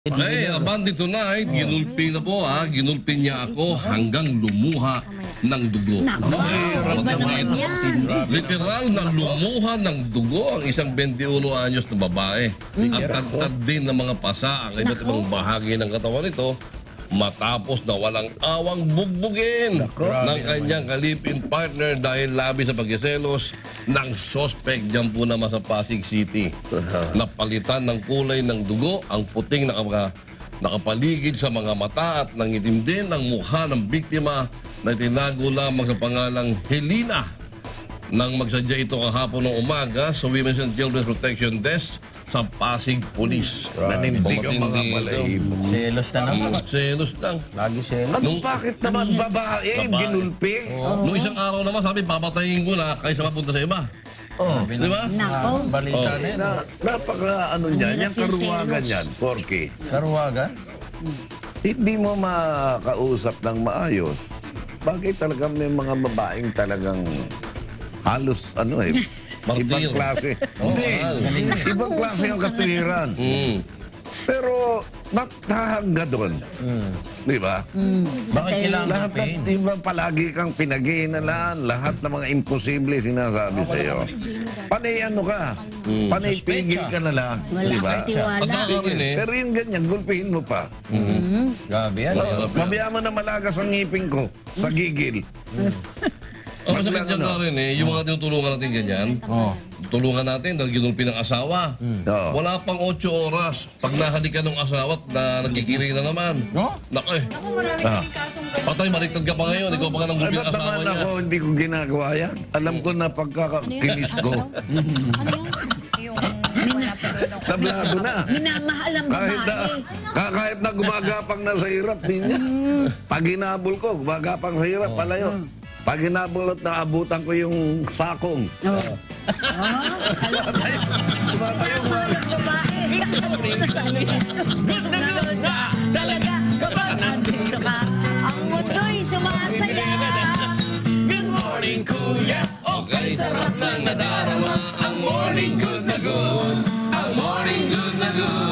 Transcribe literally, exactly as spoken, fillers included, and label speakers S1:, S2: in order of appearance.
S1: Okay, Abante tonight, ginulpi na po ha, ginulpi niya ako hanggang lumuha ng dugo. Literal na lumuha ng dugo ang isang twenty-one anyos na babae. At tagtad din ng mga pasa ang iba't ibang bahagi ng katawan nito matapos na walang awang bugbugin ng kanyang kalipin partner dahil labi sa pagkiselos ng suspect dyan po naman sa Pasig City. Napalitan ng kulay ng dugo ang puting nakapa, nakapaligid sa mga mata at nangitim din ang mukha ng biktima na tinago lamang sa pangalang Helena. Nang magsadya ito kahapon ng umaga sa Women's and Children's Protection Desk sa Pasig Police.
S2: Nanindig ang mga balahibo.
S3: Selos na naman.
S1: Mm, selos lang.
S3: Lagi selos.
S2: Ano, bakit naman babae, ginulpi?
S1: Nung isang araw naman sabi, papatayin ko na kaysa mapunta sa iba.
S3: Oh,
S1: Di ba?
S3: Nako. Balita
S1: Oh.
S3: na yun.
S2: Na, napaka ano niyan, yung karuwagan yan, Porky.
S3: Sarwagan?
S2: Hindi mo makausap ng maayos. Bagay talaga may mga babaeng talagang halos ano eh,
S1: Martir.
S2: ibang klase.
S1: Oh,
S2: Hindi,
S1: mahal.
S2: ibang klase ang katwiran.
S1: Mm.
S2: Pero, ba't hahangga doon? Di ba?
S3: Bakit kailangan
S2: Lahat na,
S3: pain?
S2: di ba palagi kang pinag-iinalaan, lahat ng mga imposible sinasabi sa iyo. Panay ano ka? Panay pigil ka na lang. Di ba?
S1: At baka rin eh,
S2: Pero yung ganyan, gulpihin mo pa.
S3: Gabi yan.
S2: Oh, Mabiya mo na malagas ang ngipin ko sa gigil.
S1: ang masakit dyan na rin eh, yung mga tinutulungan natin ganyan, tulungan natin dahil ginulpi ng asawa.
S2: Oo.
S1: Wala pang otso oras. Pag nahalikan ng asawa at na nagkikiri na naman.
S3: No?
S1: Naku eh,
S4: Ako maraming
S2: Ah.
S4: kasong
S1: patay, baliktad ka pa ngayon. Ikaw pa nga nang gulpi
S2: Ano
S1: ng asawa
S2: naman
S1: niya.
S2: ako, hindi ko ginagawa yan. Alam ko na pagkakakinis ko.
S4: Ano yun? Yung wala pero nung
S2: Tablado na.
S5: Minamahal ang
S2: Kahit na,
S5: babae.
S2: ka- kahit na gumagapang na sa hirap, din niya. Pag hinabol ko, gumagapang sa hirap, palayo. Pag hinabol at naabutan ko yung sakong.
S5: Oh.
S2: Tumatayo mo.
S5: Ang babae. Talaga, kapag nandito ka, ang mundo'y sumasaya.
S1: Good morning, kuya. Okay, sarap na nadarama. Ang morning good na good. Ang morning good na good.